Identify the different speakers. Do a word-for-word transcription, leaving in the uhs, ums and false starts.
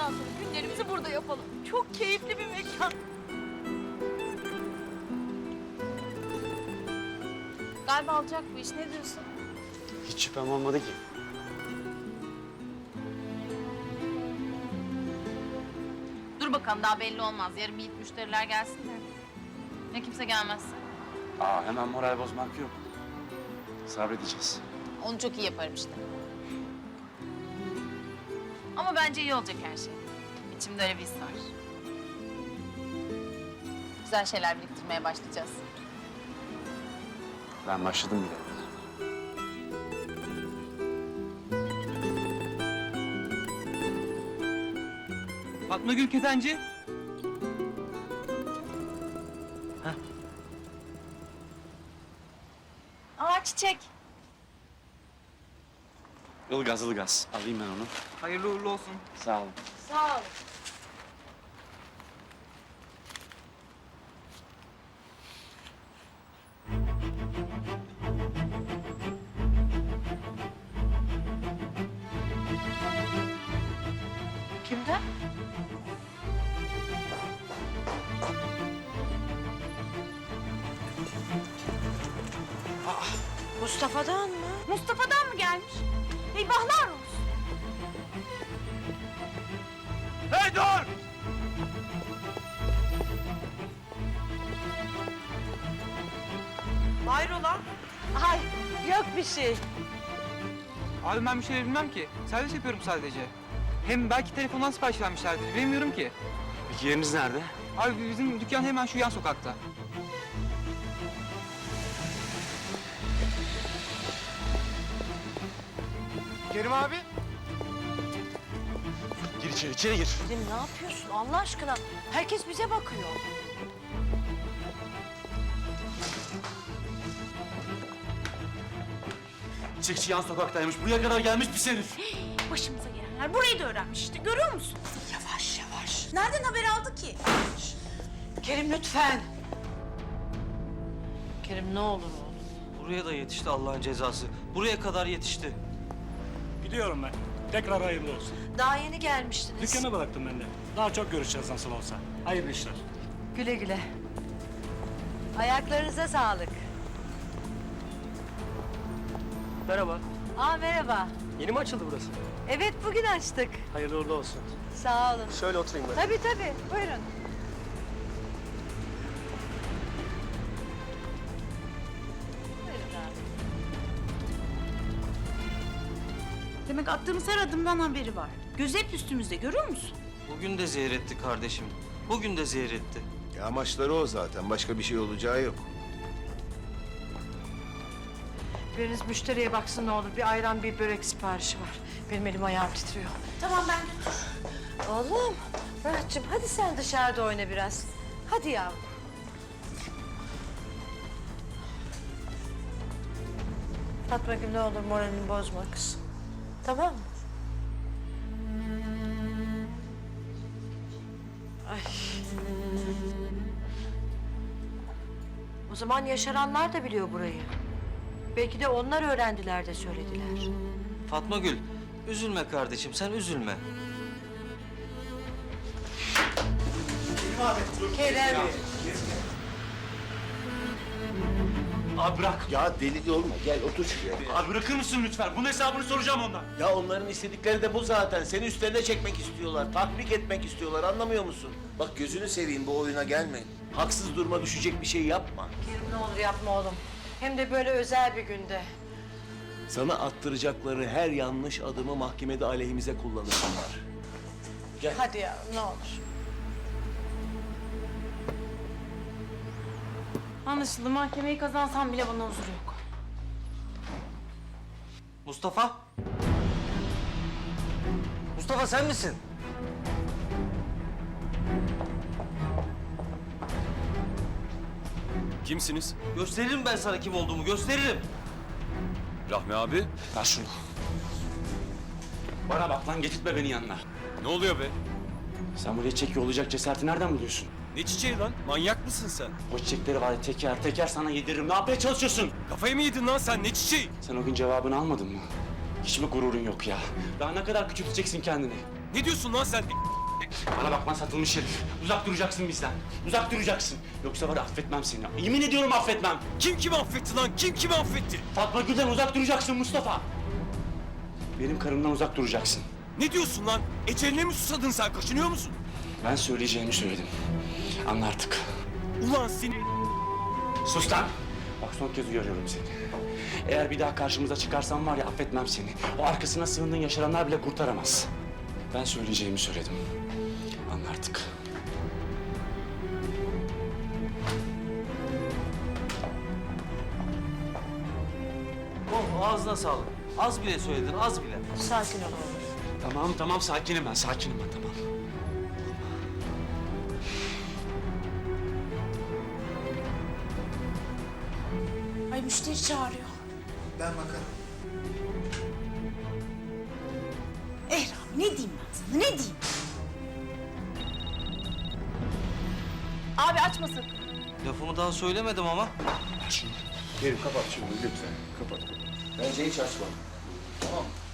Speaker 1: Bundan sonra günlerimizi burada yapalım. Çok keyifli bir mekan. Galiba olacak bu iş. Ne diyorsun?
Speaker 2: Hiç şüphem olmadı ki.
Speaker 1: Dur bakalım, daha belli olmaz. Yarın bir ilk müşteriler gelsin de. Ne kimse gelmezse.
Speaker 2: Aa, hemen moral bozmak yok. Sabredeceğiz.
Speaker 1: Onu çok iyi yaparım işte. Ama bence iyi olacak her şey. İçimde öyle bir his var. Güzel şeyler biriktirmeye başlayacağız.
Speaker 2: Ben başladım bile.
Speaker 3: Fatma Gül Ketenci.
Speaker 1: Aa, çiçek.
Speaker 2: Ilgaz, Ilgaz. Alayım ben onu.
Speaker 3: Hayırlı uğurlu olsun.
Speaker 2: Sağ olun.
Speaker 1: Sağ ol. Kimden?
Speaker 4: Mustafa'dan mı?
Speaker 1: Mustafa'dan mı gelmiş? Eyvahlar olsun.
Speaker 3: Hey dur!
Speaker 4: Hayrola? Ay yok bir şey.
Speaker 3: Abi ben bir şey bilmem ki. Servis yapıyorum sadece. Hem belki telefondan sipariş vermişlerdir. Bilmiyorum ki.
Speaker 2: Peki yeriniz nerede?
Speaker 3: Abi bizim dükkan hemen şu yan sokakta.
Speaker 5: Kerim abi.
Speaker 2: Gir içeri, içeri gir.
Speaker 4: Kerim ne yapıyorsun Allah aşkına? Herkes bize bakıyor.
Speaker 2: Çiçekçi yan sokaktaymış. Buraya kadar gelmiş bir herif.
Speaker 6: Başımıza gelenler burayı da öğrenmiş işte, görüyor musun?
Speaker 4: Yavaş yavaş.
Speaker 6: Nereden haber aldı ki?
Speaker 4: Kerim lütfen. Kerim ne olur oğlum.
Speaker 7: Buraya da yetişti Allah'ın cezası. Buraya kadar yetişti.
Speaker 5: Biliyorum ben. Tekrar hayırlı olsun.
Speaker 4: Daha yeni gelmiştiniz.
Speaker 5: Dükkanı bıraktım ben de. Daha çok görüşeceğiz nasıl olsa. Hayırlı işler.
Speaker 4: Güle güle. Ayaklarınıza sağlık.
Speaker 8: Merhaba.
Speaker 4: Aa merhaba.
Speaker 8: Yeni mi açıldı burası?
Speaker 4: Evet bugün açtık.
Speaker 8: Hayırlı uğurlu olsun.
Speaker 4: Sağ olun.
Speaker 8: Şöyle oturayım ben.
Speaker 4: Tabii tabii buyurun. Buyurun abi.
Speaker 6: Demek attığımız her adımdan haberi var. Gözü hep üstümüzde, görüyor musun?
Speaker 7: Bugün de zehir etti kardeşim. Bugün de zehir etti.
Speaker 9: Ya amaçları o zaten. Başka bir şey olacağı yok.
Speaker 4: Biriniz müşteriye baksın ne olur. Bir ayran bir börek siparişi var. Benim elim ayağım titriyor.
Speaker 6: Tamam, ben götür.
Speaker 4: Oğlum, Muratcığım hadi sen dışarıda oyna biraz. Hadi yavrum. Fatma Gül ne olur moralini bozma kız. Tamam mı? Ay. O zaman yaşaranlar da biliyor burayı. Belki de onlar öğrendiler de söylediler.
Speaker 7: Fatma Gül, üzülme kardeşim, sen üzülme.
Speaker 4: Kerem.
Speaker 2: Abi bırak.
Speaker 9: Ya deli olma. Gel otur şuraya.
Speaker 2: Abi bırakır mısın lütfen? Bunun hesabını soracağım ondan.
Speaker 9: Ya onların istedikleri de bu zaten. Seni üstlerine çekmek istiyorlar. Tatbik etmek istiyorlar. Anlamıyor musun? Bak gözünü seveyim bu oyuna gelme. Haksız duruma düşecek bir şey yapma.
Speaker 4: Kerim ne olur yapma oğlum. Hem de böyle özel bir günde.
Speaker 9: Sana attıracakları her yanlış adımı mahkemede aleyhimize kullanırsınlar. Gel.
Speaker 4: Hadi ya ne olur.
Speaker 6: Anlaşıldı, mahkemeyi kazansam bile bana huzur yok.
Speaker 7: Mustafa? Mustafa sen misin?
Speaker 10: Kimsiniz?
Speaker 7: Gösteririm ben sana kim olduğumu, gösteririm.
Speaker 10: Rahmi abi.
Speaker 2: Ver şunu. Bana bak lan, getirtme beni yanına.
Speaker 10: Ne oluyor be?
Speaker 2: Sen buraya çiçek yollayacak cesareti nereden buluyorsun?
Speaker 10: Ne çiçeği lan? Manyak mısın sen?
Speaker 2: O çiçekleri var ya teker teker sana yediririm. Ne yapmaya çalışıyorsun?
Speaker 10: Kafayı mı yedin lan sen? Ne çiçeği?
Speaker 2: Sen o gün cevabını almadın mı? Hiç mi gururun yok ya? Daha ne kadar küçülteceksin kendini?
Speaker 10: Ne diyorsun lan sen?
Speaker 2: Bana bak lan satılmış herif. Uzak duracaksın bizden. Uzak duracaksın. Yoksa var ya affetmem seni. Yemin ediyorum affetmem.
Speaker 10: Kim kimi affetti lan? Kim kimi affetti?
Speaker 2: Fatma Gül'den uzak duracaksın Mustafa. Benim karımdan uzak duracaksın.
Speaker 10: Ne diyorsun lan? Eceline mi susadın sen? Kaçınıyor musun?
Speaker 2: Ben söyleyeceğimi söyledim. Anla artık.
Speaker 10: Ulan seni...
Speaker 2: Sus lan! Bak son kez uyarıyorum seni. Eğer bir daha karşımıza çıkarsan var ya affetmem seni. O arkasına sığındığın yaşaranlar bile kurtaramaz. Ben söyleyeceğimi söyledim. Anla artık.
Speaker 7: Oh ağzına sağlık. Az bile söyledin, az bile.
Speaker 4: Sakin ol oğlum.
Speaker 2: Tamam tamam sakinim ben sakinim ben tamam.
Speaker 6: Ay müşteri çağırıyor.
Speaker 11: Ben bakarım.
Speaker 6: Eh Rahmi ne diyeyim ben sana ne diyeyim?
Speaker 1: Abi açma sakın.
Speaker 7: Lafımı daha söylemedim ama.
Speaker 2: Ver şunu.
Speaker 9: Kerim kapat şunu lütfen. Kapat. Bence hiç açma. Tamam mı?